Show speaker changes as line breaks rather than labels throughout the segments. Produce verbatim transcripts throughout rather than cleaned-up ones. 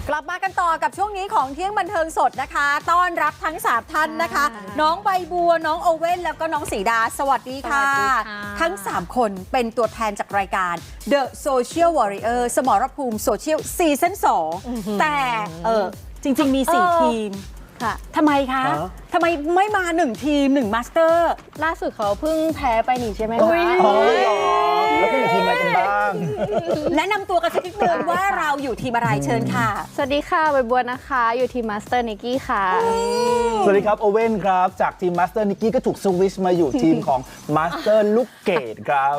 กลับมากันต่อกับช่วงนี้ของเที่ยงบันเทิงสดนะคะต้อนรับทั้งสามท่านนะคะน้องใบบัวน้องโอเว่นแล้วก็น้องสีดาสวัสดีค่ะทั้งสามคนเป็นตัวแทนจากรายการ The Social Warrior สมรภูมิโซเชียลซีซั่นสองแต่เออจริงๆมีสี่ทีมค่ะทำไมคะทำไมไม่มาหนึ่งทีมหนึ่งมาสเตอร์
ล่าสุดเขาเพิ่งแพ้ไปนี่ใช่ไหมคะ
แล้วก็อยู่ทีมอะไรกันบ้าง
แนะนำตัวกันสักนิดนึงว่าเราอยู่ทีมอะไรเชิญค่ะ
สวัสดีค่ะใบบัวนะคะอยู่ทีมมาสเตอร์นิกกี้ค่ะ
สวัสดีครับโอเว่นครับจากทีมมาสเตอร์นิกกี้ก็ถูกสวิชมาอยู่ทีมของมาสเตอร์ลูกเกดครับ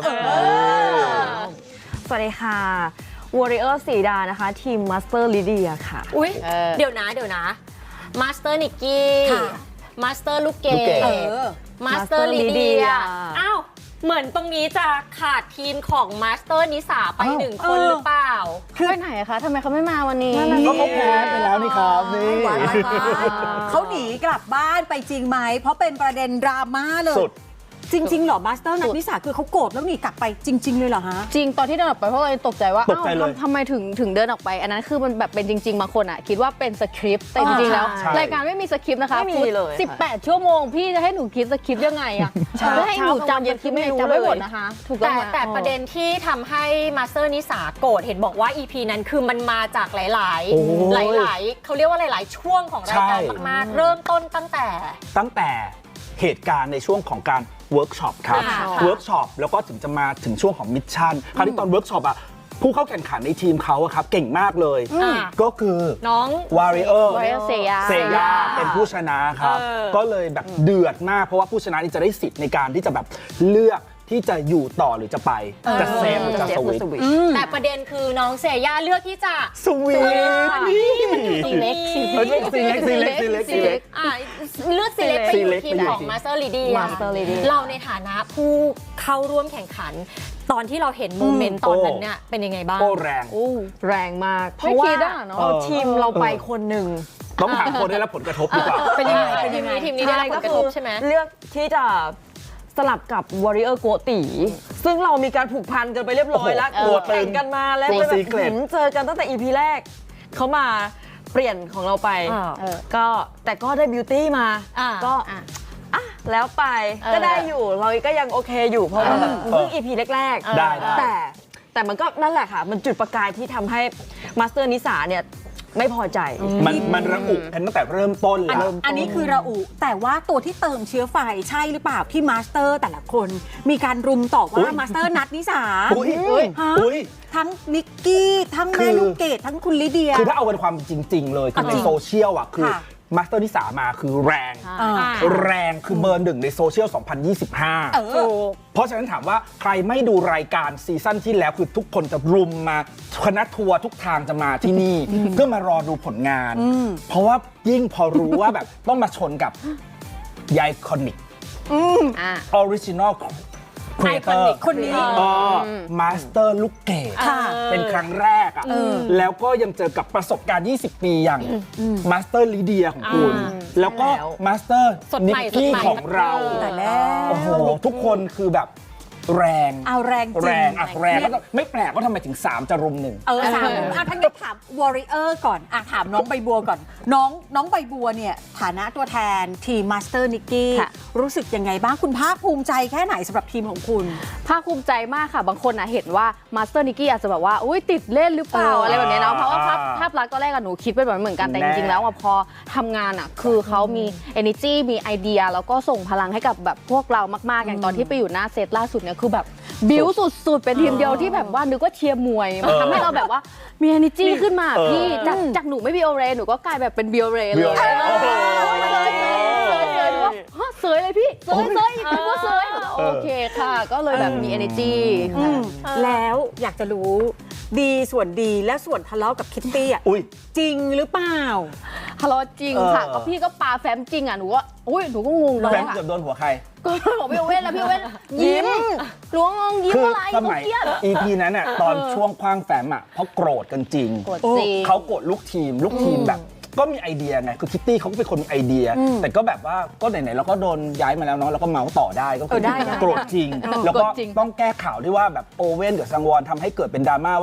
สวัสดีค่ะวอริเออร์สีดานะคะทีมมาสเตอร์ลิเดียค่ะ
อุ๊ยเดี๋ยวนะเดี๋ยวนะมาสเตอร์นิกกี้มาสเตอร์ลูกเกดมาสเตอร์ลีเดียอ้าวเหมือนตรงนี้จะขาดทีมของมาสเตอร์นิสาไปหนึ่งคนหรือเปล่า
ไปไหนคะทำไมเขาไม่มาวันนี้
ก็เขาแพ้ไปแล้วนี่ครับนี่
เขาหนีกลับบ้านไปจริงไหมเพราะเป็นประเด็นดราม่าเลยจริงๆเหรอมาสเตอร์นักนิสาคือเขาโกรธแล้วหนีกลับไปจริงๆเลยเหรอฮะ
จริงตอนที่เดินออกไปเพราะเราตกใจว่าอ้าวทำไมถึงถึงเดินออกไปอันนั้นคือมันแบบเป็นจริงๆบางคนอ่ะคิดว่าเป็นสคริปต์แต่จริงๆแล้วรายการไม่มีสคริปต์นะคะ
ไม่มีเลย
สิบแปดชั่วโมงพี่จะให้หนูคิดสคริปต์ยังไงอ่ะจะให้หนูจำสคริปต์ไม่จำไม่หมดนะคะถูกต้
องแต่ประเด็นที่ทำให้มาสเตอร์นิสาโกรธเห็นบอกว่า อี พี นั้นคือมันมาจากหลายๆหลายๆเขาเรียกว่าหลายๆช่วงของรายการมากๆเริ่มต้นตั้งแต่
ตั้งแต่เหตุการณ์ในช่วงของการเวิร์กช็อปครับเวิร์กช็อปแล้วก็ถึงจะมาถึงช่วงของมิชชั่นคราวนี้ตอนเวิร์กช็อปอ่ะผู้เข้าแข่งขันในทีมเขาอะครับเก่งมากเลยก็คือ
น้อง
วาริเออร์
เซยา
เซยาเป็นผู้ชนะครับก็เลยแบบเดือดมากเพราะว่าผู้ชนะนี่จะได้สิทธิ์ในการที่จะแบบเลือกที่จะอยู่ต่อหรือจะไปจะเซฟหรือจะสวิต
แต่ประเด็นคือน้องเซย่าเลือกที่จะ
สวิต
นี่มันอยู่ตรงนี้
ซีเล็กซีเล็กซีเล็กซีเล็กซีเล็ก
เลือกซีเล็กไปอยู่ทีมของมาสเตอร์ลีเดียเราในฐานะผู้เข้าร่วมแข่งขันตอนที่เราเห็นโมเมนต์ตอนนั้นเนี่ยเป็นยังไงบ้าง
โอ้แรง
แรงมากเพราะว่าเอาทีมเราไปคนหนึ่ง
ต้องหาคนได้รับผลกระทบดีกว่า
เป็นยังไงเป็นยังไงทีมนี้ได้รับผลกระทบใช่ไหม
เลือกที่จะสลับกับวอริเออร์โกตีซึ่งเรามีการผูกพันกันไปเรียบร้อยแล้วแข่งกันมาแล้วแบบเจอกันตั้งแต่ อี พี แรกเขามาเปลี่ยนของเราไปก็แต่ก็ได้บิวตี้มาก็อ่ะแล้วไปก็ได้อยู่เราก็ยังโอเคอยู่เพราะว่าแบบเพิ่ง อี พี แรก
ๆได้
แต่แต่มันก็นั่นแหละค่ะมันจุดประกายที่ทำให้มาสเตอร์นิสาเนี่ยไม่พอใจ
มันมันระอุกันตั้งแต่เริ่มต้นแล้ว
อันนี้คือระอุแต่ว่าตัวที่เติมเชื้อไฟใช่หรือเปล่าที่มาสเตอร์แต่ละคนมีการรุมต่อว่ามาสเตอร์นัทนิสาทั้งนิกกี้ทั้งแม่ลูกเกดทั้งคุณลิเดีย
คือถ้าเอาเป็นความจริงๆเลยคือในโซเชียลอ่ะคือมาสเตอร์นิสามาคือแรงแรงคือเบอร์หนึ่งในโซเชียลสองพันยี่สิบห้าเพราะฉะนั้นถามว่าใครไม่ดูรายการซีซั่นที่แล้วคือทุกคนจะรุมมาคณะทัวร์ทุกทางจะมาที่นี่เพื่อมารอดูผลงานเพราะว่ายิ่งพอรู้ว่าแบบต้องมาชนกับไอคอนิกออริจินอลครีเอเตอร์
คนนี้
มาสเตอร์ลูกเกดเป็นครั้งแรกอ่ะแล้วก็ยังเจอกับประสบการณ์ยี่สิบปีอย่างมาสเตอร์ลีเดียของคุณแล้วก็มาสเตอร์นิกกี้ของเรา
แต่แล้ว
โอ้โหทุกคนคือแบบแรง
เอาแรงจริง
แรงอ่ะแรงแล้วก็ไม่แปลกว่าทำไมถึงสามจะรุมหนึ่ง
เออสามอ่ะท่านก็ถามวอริเออร์ก่อนอ่ะถามน้องใบบัวก่อนน้องน้องใบบัวเนี่ยฐานะตัวแทนทีมมาสเตอร์นิกกี้รู้สึกยังไงบ้างคุณภาคภูมิใจแค่ไหนสำหรับทีมของคุณ
ภาคภูมิใจมากค่ะบางคนนะเห็นว่ามาสเตอร์นิกกี้อาจจะแบบว่าอุ้ยติดเล่นหรือเปล่าอะไรแบบนี้เนาะเพราะว่าภาพภาพลักษณ์ก็แรกกับหนูคิดไปแบบเหมือนกันแต่จริงๆแล้วพอทำงานอ่ะคือเขามี energy มีไอเดียแล้วก็ส่งพลังให้กับแบบพวกเรามากๆอย่างตอนที่ไปอยู่หน้าเซตล่าสุดเนี่ยคือแบบบิวสุดๆเป็นทีมเดียวที่แบบว่านึกว่าเชียร์มวยทำให้เราแบบว่ามี energy ขึ้นมาพี่จากจากหนูไม่บิโอเรหนูก็กลายแบบเป็นบิโอเรเลยเสยๆว่าเสยเลยพี่เสยเสยเป็นว่าเสยโอเคค่ะก็เลยแบบมี energy
แล้วอยากจะรู้ดีส่วนดีและส่วนทะเลาะกับคิตตี้อ่ะจริงหรือเปล่า
ทะเลาะจริงค่ะก็พี่ก็ปาแฟ้มจริงอ่ะหนูว่าอุ้ยหนูก็งงเลย
แฟ้มเกือบโดนหัวใคร
ก็บอกพี่เว้นแล้วพี่เว้นยิ้มหลวงงยิ้มอะไร
สมัย อี พี นั้นอ่ะตอนช่วงคว้างแฟ้มอ่ะเพราะโกรธกันจริงเขาโกรธลูกทีมลูกทีมแบบก็มีไอเดียไงคือคิตตี้เขาก็เป็นคนมีไอเดียแต่ก็แบบว่าก็ไหนๆเราก็โดนย้ายมาแล้วเนาะเราก็เมาส์ต่อได้ก็คือโกรธจริงแล้วก็ต้องแก้ข่าวที่ว่าแบบโอเว่นกับซังวอนทำให้เกิดเป็นดราม่าว่า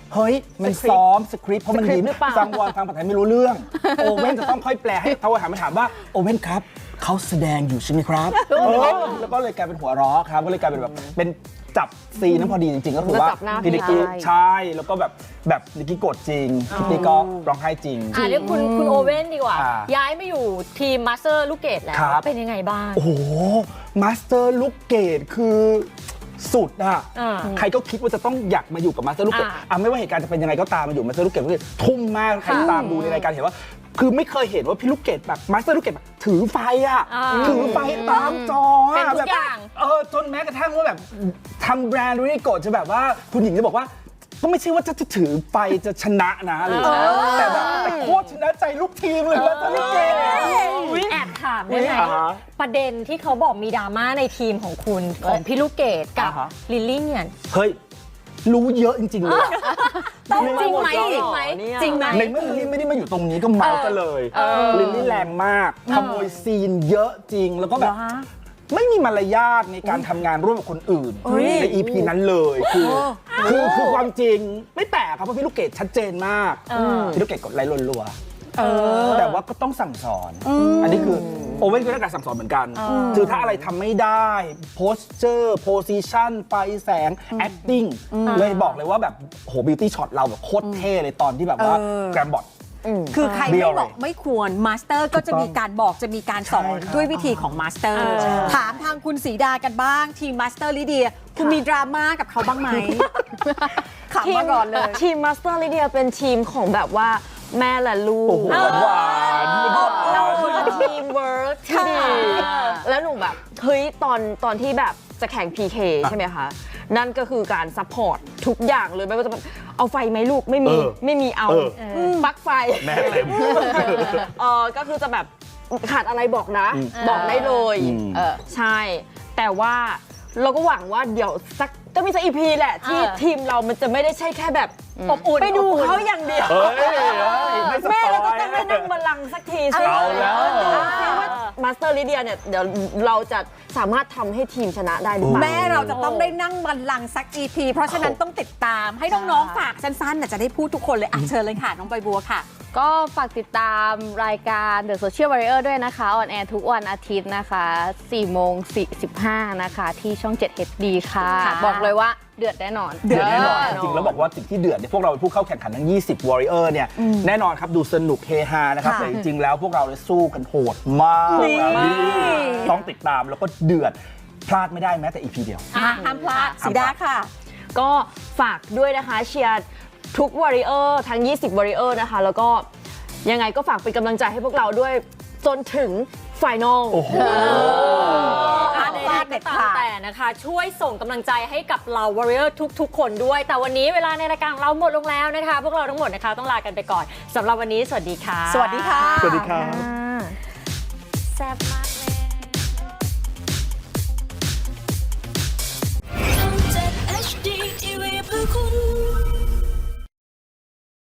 เฮ้ยมันซ้อมสคริปต์เพราะมัน
สคริปต์
ยิ้ม
หรือเปล่า
ฟังวอนฟังภาษาไทยไม่รู้เรื่อง โอเว่นจะต้องค่อยแปลให้เขาถามมาถามว่าโอเว่นครับเขาแสดงอยู่ใช่ไหมครับเออแล้วก็เลยกลายเป็นหัวเราะครับก็เลยกลายเป็นแบบเป็นจับซีนนั้นพอดีจริงๆ ก็คือว่า
แล้วจับหน้า
พี่นิกกี้
ใช่
ใช่แล้วก็แบบแบบนิกกี้โกรธจริงพี่นิกกี้ก็ร้องไห้จริง
อ่ะเรียกคุณคุณโอเว่นดีกว่า
อ่า
ย้ายมาอยู่ทีมมาสเตอร์ลูกเกดแล้ว
ครับ
เป็นยังไงบ้าง
โอ้โหมาสเตอร์ลูกเกดคือสุดอะ
อ่า
ใครก็คิดว่าจะต้องอยากมาอยู่กับมาสเตอร์ลูกเกด
อ่า
อ่ะไม่ว่าเหตุการณ์จะเป็นยังไงก็ตามมาอยู่มาสเตอร์ลูกเกดก็คือทุ่มมากใครตามดูในรายการเห็นว่า คือไม่เคยเห็นว่าพี่ลูกเกดแบบมาสเตอร์ลูกเกดแบบถือไฟอะ
อ่า
ถือไฟตามจอ
เป็น
อะ
ทุก
แบบ
อย่าง
เออจนแม้กระทั่งว่าแบบทำแบรนด์ริโกะจะแบบว่าคุณหญิงจะบอกว่า ก็ไม่ใช่ว่าจะถือไฟจะชนะนะอะไรอย่างเงี้ยแต่แบบแต่โคตรชนะใจลูกทีมเลยมาสเตอร์ลูกเกด
แอบถามได้ไหม
อ่าฮะ
ประเด็นที่เขาบอกมีดราม่าในทีมของคุณของพี่ลูกเกดกับ
อ่าฮะ
ลิลลี่เนี่ย
เฮ้ย รู้เยอะจริงๆเลยอะ
จริงไหม
จ
จ
ริ
ริ
ง
ง
ไห
ไห
ม
มจริงไหม
ในเมื่อลิลลี่ไม่ได้มาอยู่ตรงนี้ก็เมากันเลยลิลลี่แรงมากขโมยซีนเยอะจริงแล้วก็แบบ ไม่มีมารยาทในการทำงานร่วมกับคนอื่น ใน อี พี นั้นเลยคือคือคือความจริงไม่แปลกครับเพราะพี่ลูกเกดชัดเจนมากพี่ลูกเกดกดไลค์รัวๆแต่ว่าก็ต้องสั่งสอน อันนี้คือโอเว่นก็ได้การสั่งสอนเหมือนกัน คือถ้าอะไรทำไม่ได้โพสเจอร์โพซิชันไฟแสง acting เลยบอกเลยว่าแบบโหบิวตี้ช็อตเราแบบโคตรเท่เลยตอนที่แบบว่า
เออ
แกรมบอท
คือใคร
เบี้
ไม่
ยวเลย
บอกไม่ควรมาสเตอร์ก็จะมีการบอกจะมีการสอน
ใช่ครับ
ด้วยวิธีของมาสเตอร์ ถามทางคุณศรีดากันบ้างทีมมาสเตอร์ลิเดีย คุณมีดราม่ากับเขาบ้างไหมขำมาก่อนเลย
ทีมมาสเตอร์ลิเดียเป็นทีมของแบบว่าแม่และลู
โอ้
ก
โหหวานหวาน
เราคือทีมเวิร์กที่ดี แล้วหนูแบบ เฮ้ย ตอนตอนที่แบบจะแข่ง พี เค ใช่ไหมคะ นั่นก็คือการซัพพอร์ตทุกอย่างเลย ไม่ว่าจะเป็นเอาไฟไหมลูกไม่มี
เออ
ไม่มีเอา
เออ
ปลั๊กไฟ
แม่เต็ม
เออก็คือจะแบบขาดอะไรบอกนะ บอกได้เลย
อืม
เออใช่ แต่ว่าเราก็หวังว่าเดี๋ยวสักก็มีสักอีพีแหละ ที่
เออ
ทีมเรามันจะไม่ได้ใช่แค่แบบอบอุ่นไปดูเขาอย่างเดียว
เฮ้ยเฮ้ยไม่สป
แม่
อย
เราก็จะไม่นั่งบัลลังก์สักทีใช่ไหม
เอาแล้ว
มาสเตอร์ลิเดียเนี่ยเดี๋ยวเราจะสามารถทำให้ทีมชนะได้หรือเปล่า
แม่เราจะต้องได้นั่งบัลลังก์สัก อี พี เพราะฉะนั้นต้องติดตามให้น้องๆฝากสั้นๆน่ะจะได้พูดทุกคนเลยอ่ะเชิญเลยค่ะ น้องใบบัวค่ะ
ก็ฝากติดตามรายการ The Social Warrior ด้วยนะคะ ออนแอร์ทุกวันอาทิตย์นะคะสี่โมงสี่สิบห้านะคะที่ช่อง เจ็ด เอช ดี ค่ะ
ค่ะ
บอกเลยว่าเดือดแน่นอน
เดือดแน่นอน
เ
จริงๆแล้วบอกว่าสิ่งที่เดือดเนี่ยพวกเราเป็นผู้เข้าแข่งขันทั้ง ยี่สิบ Warrior เนี่ยแน่นอนครับดูสนุกเฮฮานะครับ
ค่ะ
แต่จริงๆแล้วพวกเราเลยสู้กันโหดมากต้องติดตามแล้วก็เดือดพลาดไม่ได้แม้แต่ อี พี เดียว
อ่ะห้ามพลาดสีดาค่ะ
ก็ฝากด้วยนะคะเชียร์ทุก Warrior ทั้ง ยี่สิบ Warrior นะคะ แล้วก็ยังไงก็ฝากเป็นกำลังใจให้พวกเราด้วยจนถึงไฟนอล
โอ้โห
อ่ะใดๆก็ตามแต่นะคะ ช่วยส่งกำลังใจให้กับเรา Warrior ทุกๆ คนด้วย แต่วันนี้เวลาในรายการของเราหมดลงแล้วนะคะ พวกเราทั้งหมดนะคะต้องลากันไปก่อนสำหรับวันนี้สวัสดีค่ะ
สวัสดีค่ะ
สวัสดีครับ
แซ่บมาก